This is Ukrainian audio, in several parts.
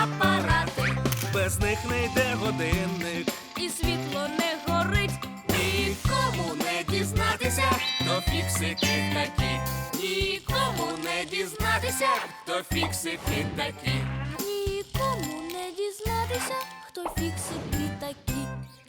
апарати. Без них не йде годинник. І світло не горить. Нікому не дізнатися, хто фіксики такі. Нікому не дізнатися, хто фіксики такі. Нікому не дізнатися, хто фіксики такі.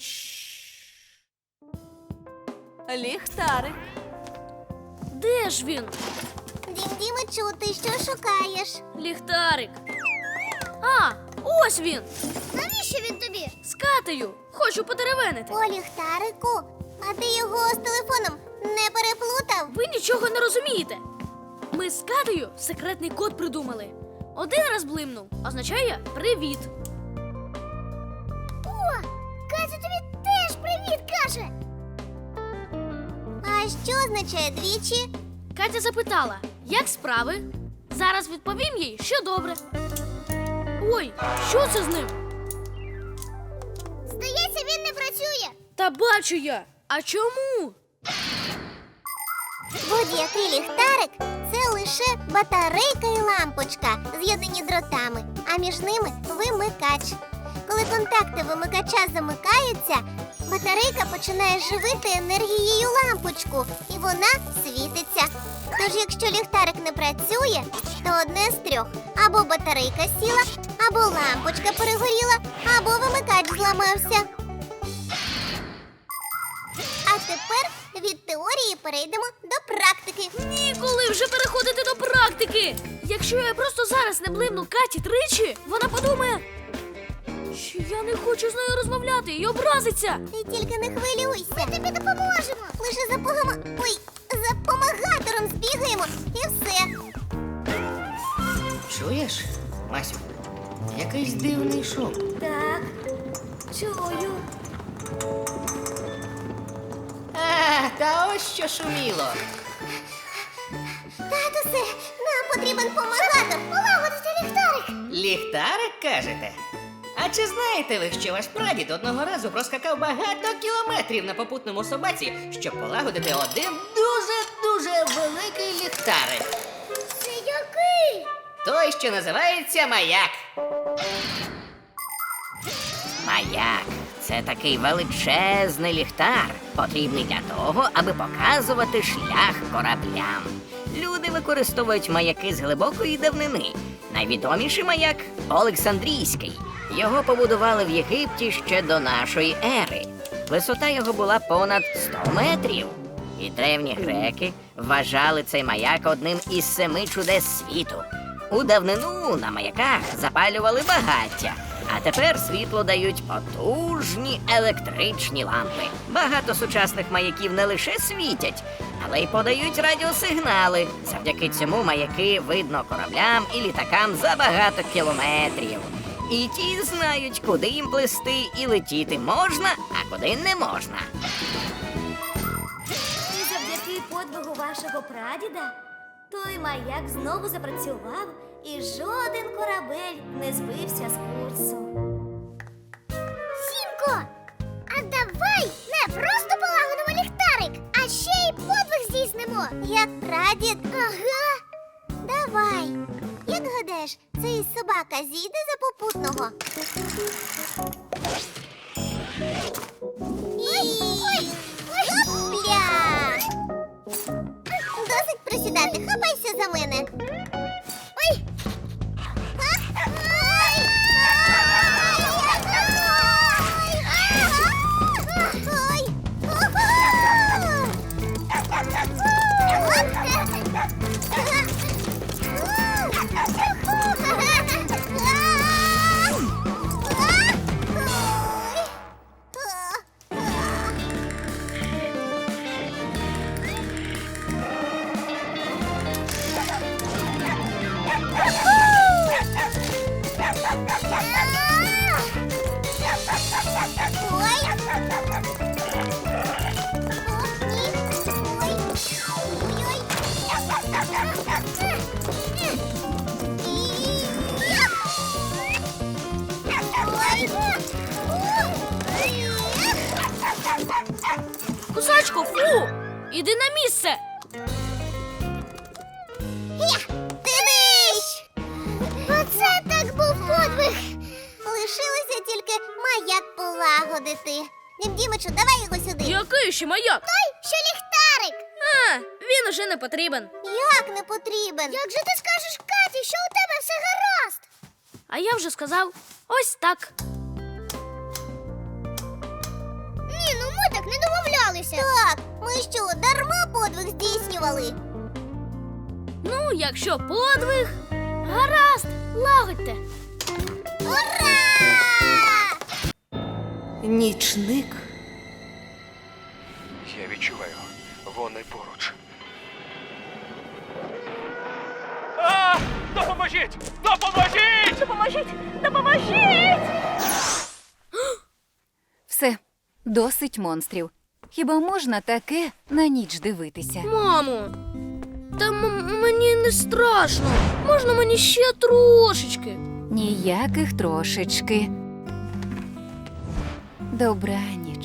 Ліхтарик. Де ж він? Дім-Дімичу, ти що шукаєш? Ліхтарик. А, ось він. Навіщо він тобі? З Катею. Хочу подеревенити. О, ліхтарику, а ти його з телефоном не переплутав? Ви нічого не розумієте. Ми з Катею секретний код придумали. Один раз блимнув означає привіт. О, Катя тобі теж привіт каже. А що означає двічі? Катя запитала, як справи? Зараз відповім їй, що добре. Ой, що це з ним? Здається, він не працює. Та бачу я. А чому? Будь-який ліхтарик – це лише батарейка і лампочка, з'єднані дротами, а між ними вимикач. Коли контакти вимикача замикаються, батарейка починає живити енергією лампочку, і вона світиться. Тож, якщо ліхтарик не працює, то одне з трьох – або батарейка сіла, або лампочка перегоріла, або вимикач зламався. А тепер від теорії перейдемо до практики. Ніколи вже переходити до практики. Якщо я просто зараз не блимну Каті тричі, вона подумає, що я не хочу з нею розмовляти і образиться. Ти тільки не хвилюйся. Ми тобі допоможемо. Лише за помагатором збігаємо і все. Чуєш, Масю? Якийсь дивний шум. Так, чую. Та ось що шуміло. Татусе, нам потрібен помагатор. Полагодити ліхтарик. Ліхтарик, кажете? А чи знаєте ви, що ваш прадід одного разу проскакав багато кілометрів на попутному собаці, щоб полагодити один дуже-дуже великий ліхтарик? Це який? Той, що називається маяк. Маяк – це такий величезний ліхтар, потрібний для того, аби показувати шлях кораблям. Люди використовують маяки з глибокої давнини. Найвідоміший маяк – Олександрійський. Його побудували в Єгипті ще до нашої ери. Висота його була понад 100 метрів. І древні греки вважали цей маяк одним із 7 чудес світу. У давнину на маяках запалювали багаття, а тепер світло дають потужні електричні лампи. Багато сучасних маяків не лише світять, але й подають радіосигнали. Завдяки цьому маяки видно кораблям і літакам за багато кілометрів. І ті знають, куди їм плисти і летіти можна, а куди не можна. І завдяки подвигу вашого прадіда той маяк знову запрацював, і жоден корабель не збився з курсу. Сімко, а давай не просто полагодимо ліхтарик, а ще й подвиг здійснимо. Як прадід? Ага. Давай. Як гадаєш, цей собака зійде за попутного? Гопля! Досить присідати, хапайся за мене. Ой! Кусачко, фу! Іди на місце! Дивись! Оце так був подвиг! маяк полагодити. Дімдімичу, давай його сюди. Який ще маяк? Що ліхтарик? А, він уже не потрібен. Як не потрібен? Як же ти скажеш Каті, що у тебе все гаразд? А я вже сказав ось так. Ні, ну ми так не домовлялися. Так, ми що, дарма подвиг здійснювали? Ну, якщо подвиг, гаразд, лагодьте. Ура! Нічник. Я відчуваю, вони поруч. Допоможіть! Допоможіть! Все, досить монстрів. Хіба можна таке на ніч дивитися? Мамо, та мені не страшно. Можна мені ще трошечки? Ніяких трошечки. Добраніч.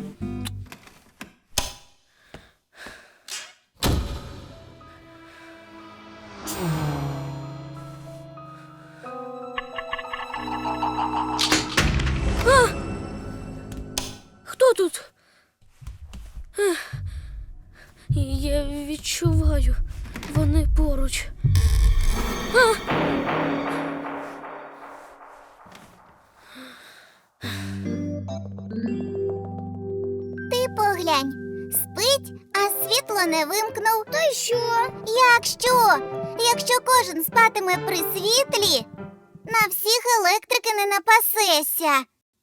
Хто тут? Я відчуваю, вони поруч. Ти поглянь, спить, а світло не вимкнув. То й що? Якщо кожен спатиме при світлі, на всіх електрики не напасешся.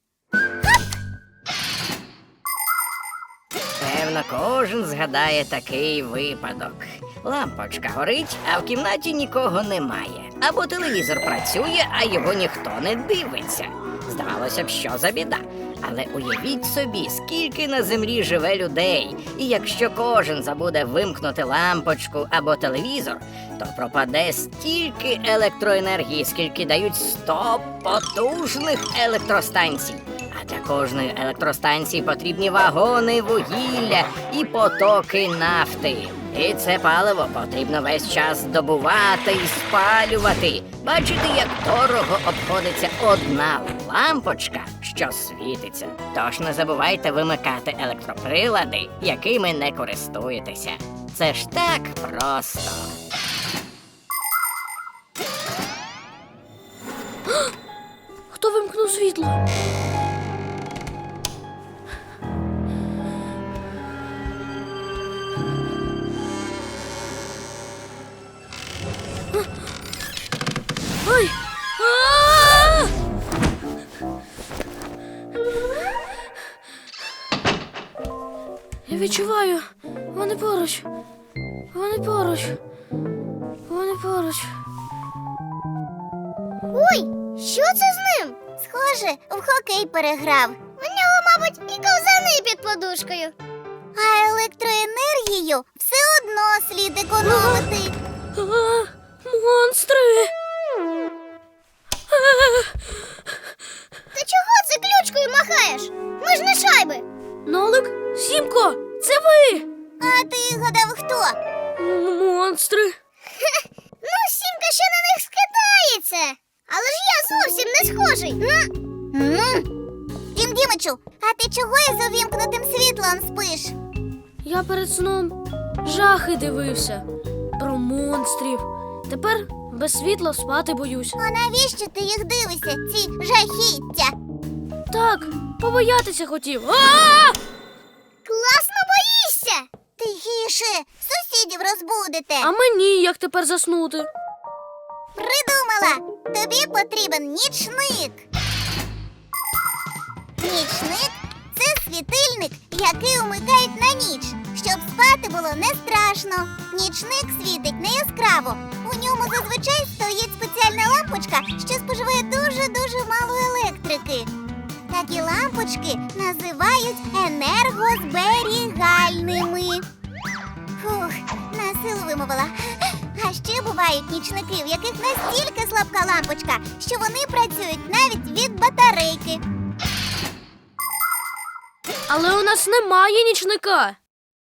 Певно, кожен згадає такий випадок. Лампочка горить, а в кімнаті нікого немає. Або телевізор працює, а його ніхто не дивиться. Здавалося б, що за біда. Але уявіть собі, скільки на землі живе людей. І якщо кожен забуде вимкнути лампочку або телевізор, то пропаде стільки електроенергії, скільки дають 100 потужних електростанцій. А для кожної електростанції потрібні вагони вугілля і потоки нафти. І це паливо потрібно весь час добувати і спалювати. Бачите, як дорого обходиться одна лампочка, що світиться. Тож не забувайте вимикати електроприлади, якими не користуєтеся. Це ж так просто. Хто вимкнув світло? Ой! А! Я відчуваю, вони поруч. Вони поруч. Вони поруч. Ой, що це з ним? Схоже, в хокей переграв. У нього, мабуть, і ковзани під подушкою. А електроенергію все одно слід економити. А, монстри! Ти чого циключкою махаєш? Ми ж не шайби. Нолик, Сімко, це ви! А ти гадав, хто? Монстри! Ну, Сімка ще на них скидається. Але ж я зовсім не схожий. Дімдімичу, а ти чого із увімкнутим світлом спиш? Я перед сном жахи дивився про монстрів. Тепер без світла спати боюсь. А навіщо ти їх дивишся, ці жахіття? Так, побоятися хотів. А! Класно боїшся! Тихіше, сусідів розбудите. А мені як тепер заснути? Придумала! Тобі потрібен нічник. Нічник – це світильник, який умикають на ніч, щоб спати було не страшно. Нічник світить не яскраво. У ньому зазвичай стоїть спеціальна лампочка, що споживає дуже-дуже мало електрики. Такі лампочки називають енергозберігальними. Фух, насилу вимовила. А ще бувають нічники, в яких настільки слабка лампочка, що вони працюють навіть від батарейки. Але у нас немає нічника.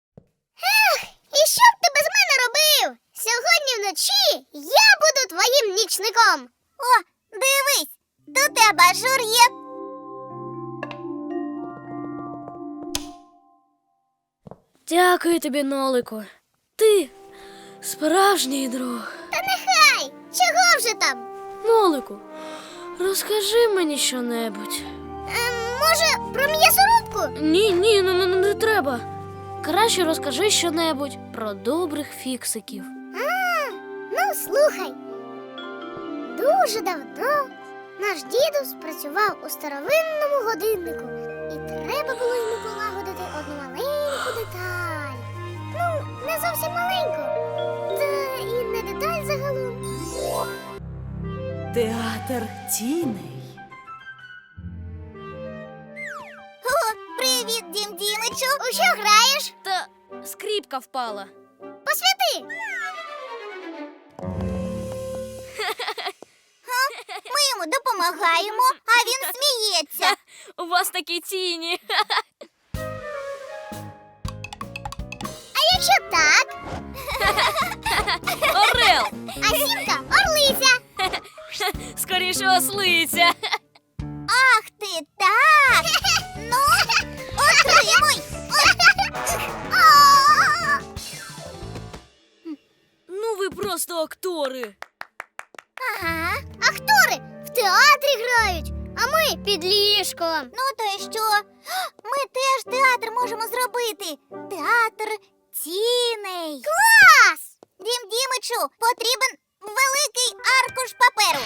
І що б ти без мене робив? Сьогодні вночі я буду твоїм нічником. О, дивись, тут абажур є. Дякую тобі, Нолику. Ти справжній друг. Та нехай! Чого вже там? Нолику, розкажи мені щонебудь. Може, про м'ясорубку? Ні, не треба. Краще розкажи щонебудь про добрих фіксиків. Ну, слухай. Дуже давно наш дідусь працював у старовинному годиннику, і треба було йому полагодити одну маленьку деталь. Ну, не зовсім маленьку, та і не деталь загалом. Театр тіней. О, привіт, Дім Дімичу! У що граєш? Та скріпка впала. Посвяти! Ми йому допомагаємо, а він сміється. У вас такі тіні. А якщо так, Орел! а сімка орлиця. Скоріше ослиця. Ах ти так! Ну, отримуй! Ну ви просто актори. Ага, актори в театрі грають, а ми під ліжком. Ну то й що? Ми теж театр можемо зробити. Театр тіней. Клас! Дім Дімичу, потрібен великий аркуш паперу.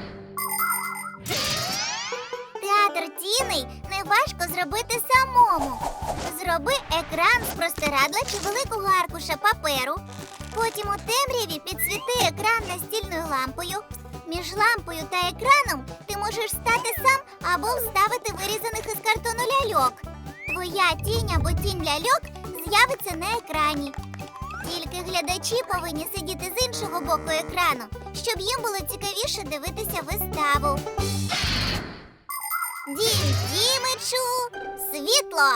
Театр тіней неважко зробити самому. Зроби екран з простирадла чи великого аркуша паперу. Потім у темряві підсвіти екран настільною лампою. Між лампою та екраном ти можеш стати сам або вставити вирізаних із картону ляльок. Твоя тінь або тінь ляльок з'явиться на екрані. Тільки глядачі повинні сидіти з іншого боку екрану, щоб їм було цікавіше дивитися виставу. Дім Дімичу, світло!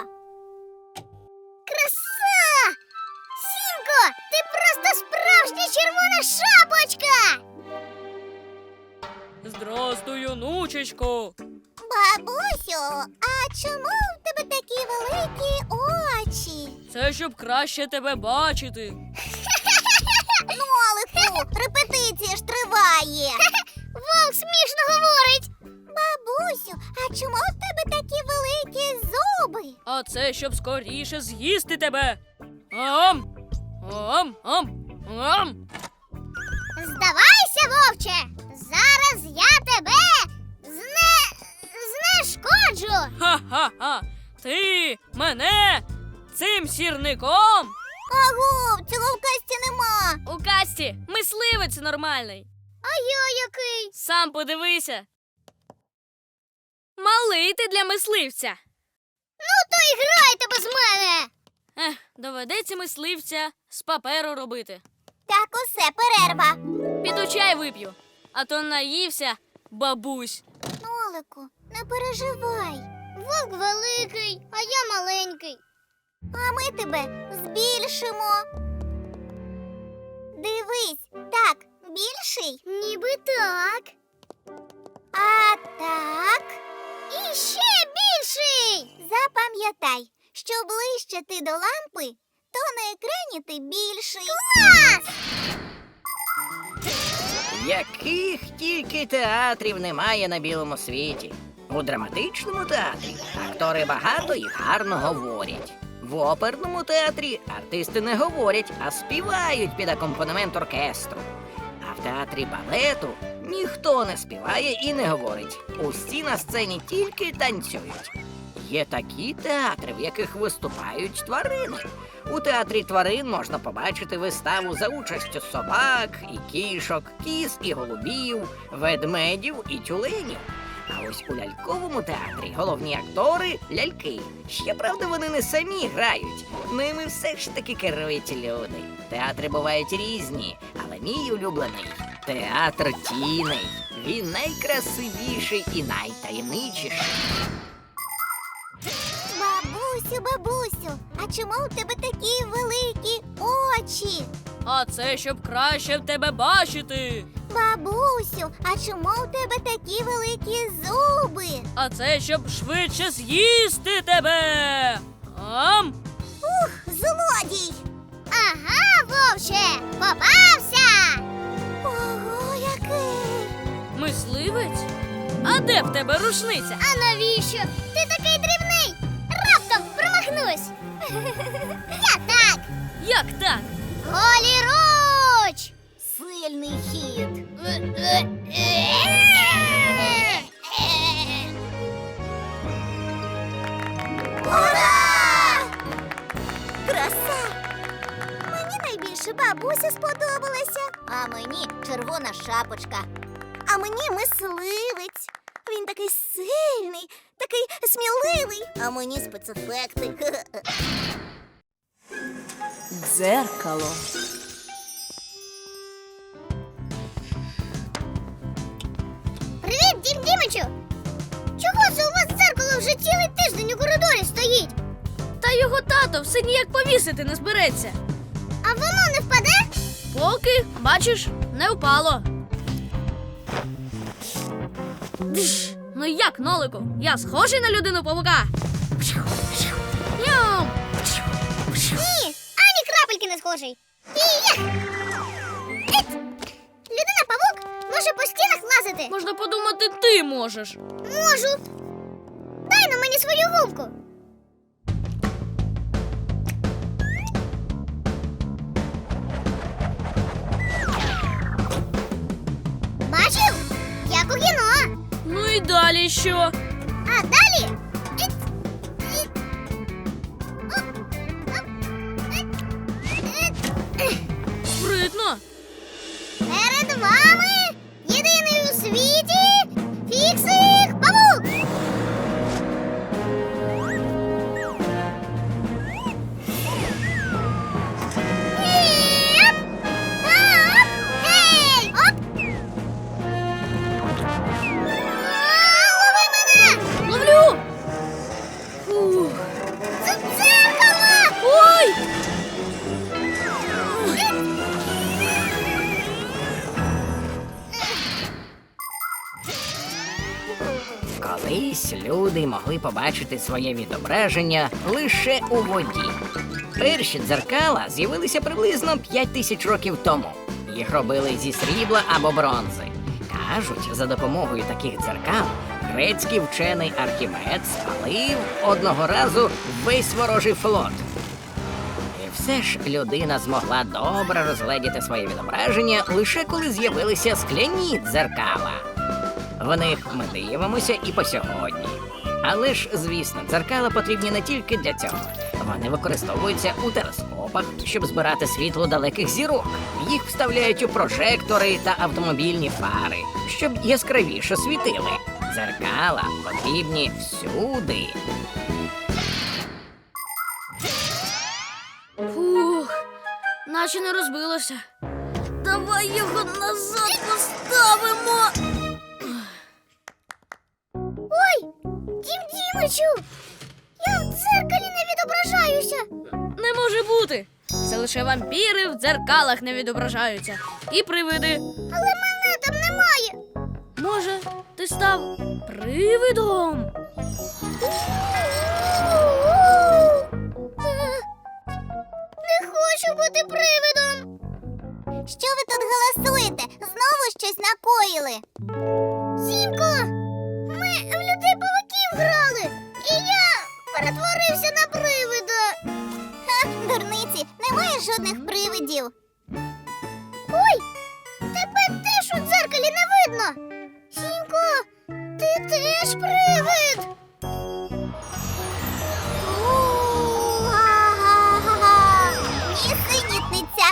Краса! Сімко, ти просто справжня червона шапочка! Здрастуй, онучечко. Бабусю, а чому в тебе такі великі очі? Це щоб краще тебе бачити. Нолику, репетиція ж триває. Вовк смішно говорить. Бабусю, а чому в тебе такі великі зуби? А це щоб скоріше з'їсти тебе. Ам! Ам! Ам! Ам! Здавайся, вовче! Зараз я тебе знешкоджу! Ха-ха-ха! Ти мене цим сірником? Аго, цього в касті нема. У касті мисливець нормальний. А я який? Сам подивися. Малий ти для мисливця. Ну то і грайте без мене! Доведеться мисливця з паперу робити. Так усе, перерва. Піду чай вип'ю, а то наївся бабусь. Нолику, не переживай. Вовк великий, а я маленький. А ми тебе збільшимо. Дивись, так, більший? Ніби так. А так? І ще більший! Запам'ятай, що ближче ти до лампи, то на екрані ти більший. Клас! Яких тільки театрів немає на білому світі. У драматичному театрі актори багато і гарно говорять. В оперному театрі артисти не говорять, а співають під акомпанемент оркестру. А в театрі балету ніхто не співає і не говорить. Усі на сцені тільки танцюють. Є такі театри, в яких виступають тварини. У театрі тварин можна побачити виставу за участю собак і кішок, кіз і голубів, ведмедів і тюленів. А ось у ляльковому театрі головні актори – ляльки. Ще, правда, вони не самі грають. Ними все ж таки керують люди. Театри бувають різні, але мій улюблений – театр тіней. Він найкрасивіший і найтаємничіший. Бабусю, а чому у тебе такі великі очі? А це щоб краще в тебе бачити. Бабусю, а чому у тебе такі великі зуби? А це щоб швидше з'їсти тебе. Ам! злодій! Ага, вовче! Попався! Ого, який! Мисливець? А де в тебе рушниця? А навіщо? Ти такий дрібний! Раптом промахнусь! Я так! Як так? Голіруч! Сильний хід! Ура! Краса! Мені найбільше бабуся сподобалася. А мені червона шапочка. А мені мисливець. Він такий сильний, такий сміливий. А мені спецефекти. Дзеркало. Привіт, Дім Дімичу! Чого це у вас дзеркало вже цілий тиждень у коридорі стоїть? Та його тато все ніяк повісити не збереться. А воно не впаде? Поки, бачиш, не впало. Дж! Ну як, Нолику? Я схожий на людину павука? Ням! Ні, ані крапельки не схожий. Людина-павук може по стінах лазити. Можна подумати, ти можеш. Можу. Дай на мені свою гумку. Бачив? Як у кіно. Ну і далі що? А далі? Спритно. Перед вами єдиний у світі Фіксик-павук! Оп! Оп! Гей! Оп! Лови мене! Ловлю! Фух. Це дзеркало! Ой! Колись люди могли побачити своє відображення лише у воді. Перші дзеркала з'явилися приблизно 5000 років тому. Їх робили зі срібла або бронзи. Кажуть, за допомогою таких дзеркал грецький вчений Архімед спалив одного разу весь ворожий флот. І все ж людина змогла добре розгледіти своє відображення лише коли з'явилися скляні дзеркала. В них ми дивимося і по сьогодні. Але ж, звісно, дзеркала потрібні не тільки для цього. Вони використовуються у телескопах, щоб збирати світло далеких зірок. Їх вставляють у прожектори та автомобільні фари, щоб яскравіше світили. Дзеркала потрібні всюди. Фух, наче не розбилося. Давай його назад поставимо. Ой, Дім Дімичу! Я в дзеркалі не відображаюся! Не може бути. Це лише вампіри в дзеркалах не відображаються. І привиди. Але мене там немає! Може, ти став привидом? Не хочу бути привидом! Що ви тут голосуєте? Знову щось накоїли? Сімко! Ми в людей-павуків грали! І я перетворився на привида! Ха, дурниці, немає жодних привидів! Ой! Тебе теж у дзеркалі не видно! Сімко, ти теж привид! Га-га-га! Нісенітниця!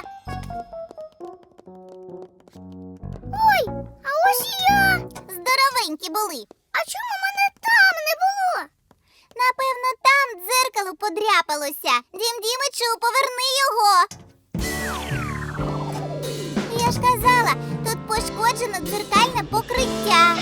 Ой, а ось і я! Здоровенькі були! А чому мене там не було? Напевно, там дзеркало подряпалося. Дім Дімичу, поверни його! Я ж казала, тут пошкоджено дзеркальне покриття.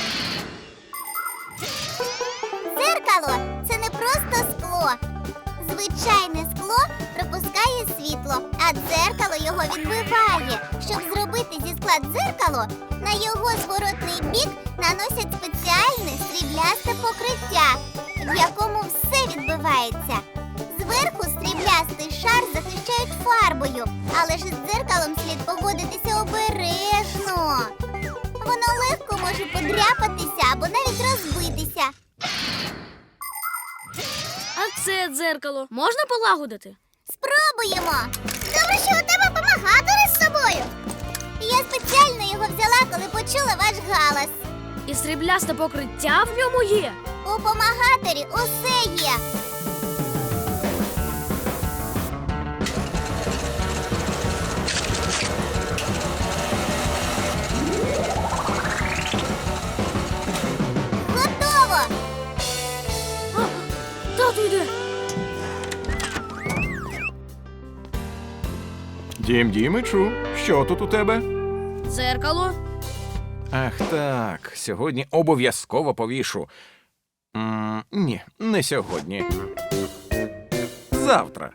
Дзеркало – це не просто скло. Звичайне скло пропускає світло, а дзеркало його відбиває. Щоб зробити зі скла дзеркало, на його зворотний бік наносять спеціальне сріблясте покриття, в якому все відбивається. Зверху сріблясте товстий шар захищають фарбою, але ж із дзеркалом слід поводитися обережно. Воно легко може подряпатися або навіть розбитися. А це дзеркало можна полагодити? Спробуємо. Добре, що у тебе помагатори з собою. Я спеціально його взяла, коли почула ваш галас. І сріблясте покриття в ньому є. У помагаторі усе є. Готово! А, тату йде. Дімичу, що тут у тебе? Дзеркало. Ах так, сьогодні обов'язково повішу. Ні, не сьогодні. Завтра.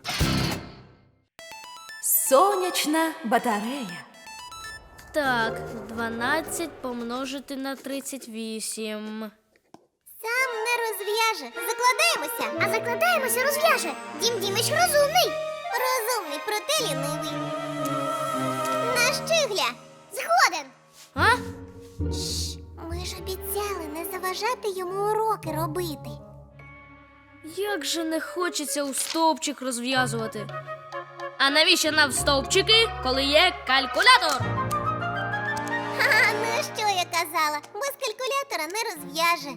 Сонячна батарея. Так, 12 помножити на 38. Сам не розв'яже. Закладаємося. А закладаємося розв'яже. Дім Дімич розумний. Розумний, проте лінивий. На щигля. Згоден. А? Ми ж обіцяли не заважати йому уроки робити. Як же не хочеться у стовпчик розв'язувати. А навіщо нам стовпчики, коли є калькулятор? Ха, ну що я казала? Без калькулятора не розв'яже.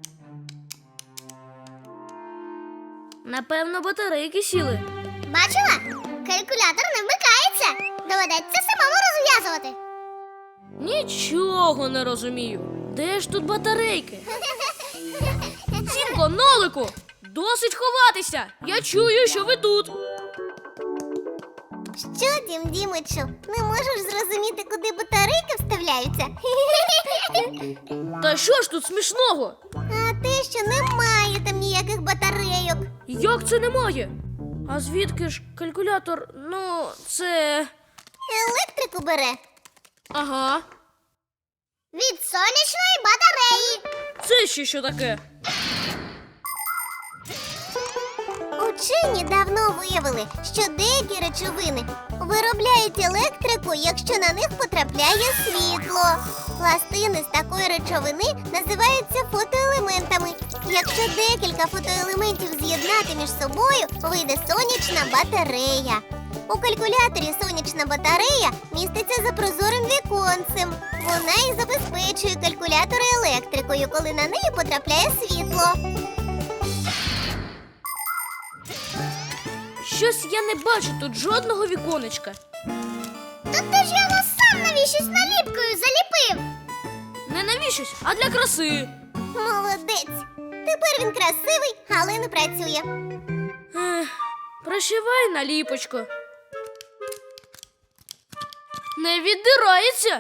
Напевно, батарейки сіли. Бачила? Калькулятор не вмикається. Доведеться самому розв'язувати. Нічого не розумію. Де ж тут батарейки? Сімко, Нолику! Досить ховатися! Я чую, що ви тут. Що, Дім Дімичу, не можеш зрозуміти, куди батарейки вставляються? Та що ж тут смішного? А те, що немає там ніяких батарейок. Як це немає? А звідки ж калькулятор? Ну, це. Електрику бере Ага. від сонячної батареї. Це ще що таке? Учені давно виявили, що деякі речовини виробляють електрику, якщо на них потрапляє світло. Пластини з такої речовини називаються фотоелементами. Якщо декілька фотоелементів з'єднати між собою, вийде сонячна батарея. У калькуляторі сонячна батарея міститься за прозорим віконцем. Вона і забезпечує калькулятор електрикою, коли на неї потрапляє світло. Щось я не бачу тут жодного віконечка. Та ти ж його сам навіщось наліпкою заліпив. Не навіщось, а для краси. Молодець. Тепер він красивий, але не працює. Ех, прощавай, наліпочко. Не віддирається.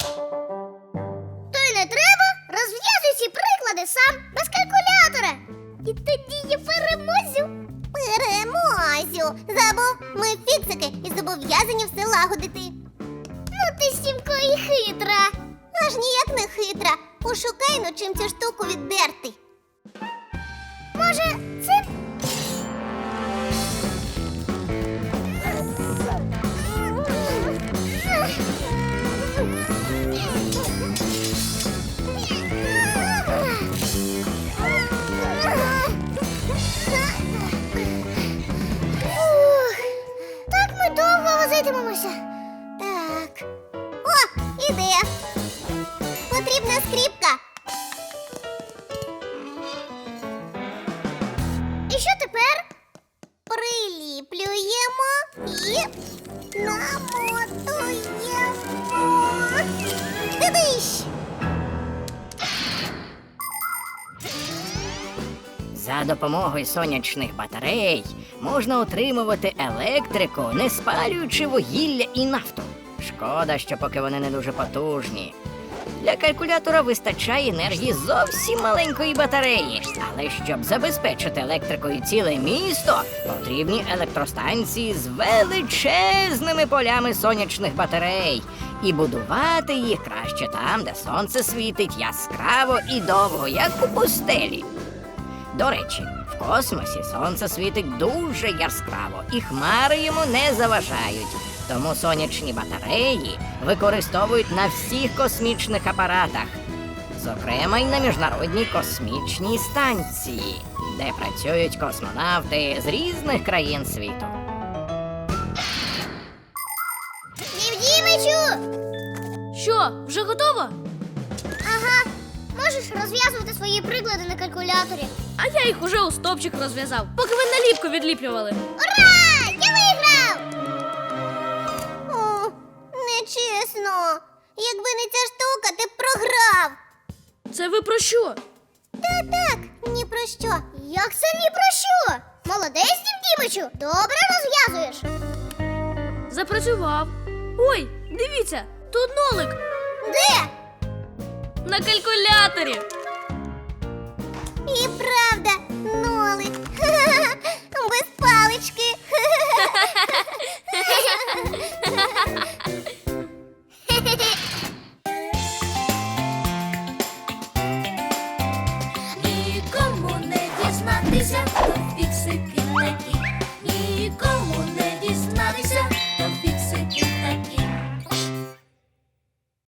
То й не треба. Розв'язуй ці приклади сам, без калькулятора. І тоді я переможу. Переможу. Забув, ми фіксики і зобов'язані все лагодити. Ну ти, Сімко, і хитра. Аж ніяк не хитра. Пошукай, ну чим цю штуку віддерти. Може, це... Ух, так ми довго возитимемося. Так. О, ідея. Потрібна скріпка. І що тепер? Приліплюємо і намотуємо. Дивись! За допомогою сонячних батарей можна отримувати електрику, не спалюючи вугілля і нафту. Шкода, що поки вони не дуже потужні. Для калькулятора вистачає енергії зовсім маленької батареї. Але щоб забезпечити електрикою ціле місто, потрібні електростанції з величезними полями сонячних батарей. І будувати їх краще там, де сонце світить яскраво і довго, як у пустелі. До речі, в космосі сонце світить дуже яскраво, і хмари йому не заважають. Тому сонячні батареї використовують на всіх космічних апаратах, зокрема й на Міжнародній космічній станції, де працюють космонавти з різних країн світу. Дімичу! Що, вже готово? Ага. Можеш розв'язувати свої приклади на калькуляторі. А я їх уже у стопчик розв'язав, поки ви наліпку відліплювали. Ура! Я виграв! О, нечесно. Якби не ця штука, ти б програв. Це ви про що? Так, ні про що. Як це ні про що? Молодець, Дімичу, добре розв'язуєш. Запрацював. Ой, дивіться, тут нолик Де? на калькуляторі.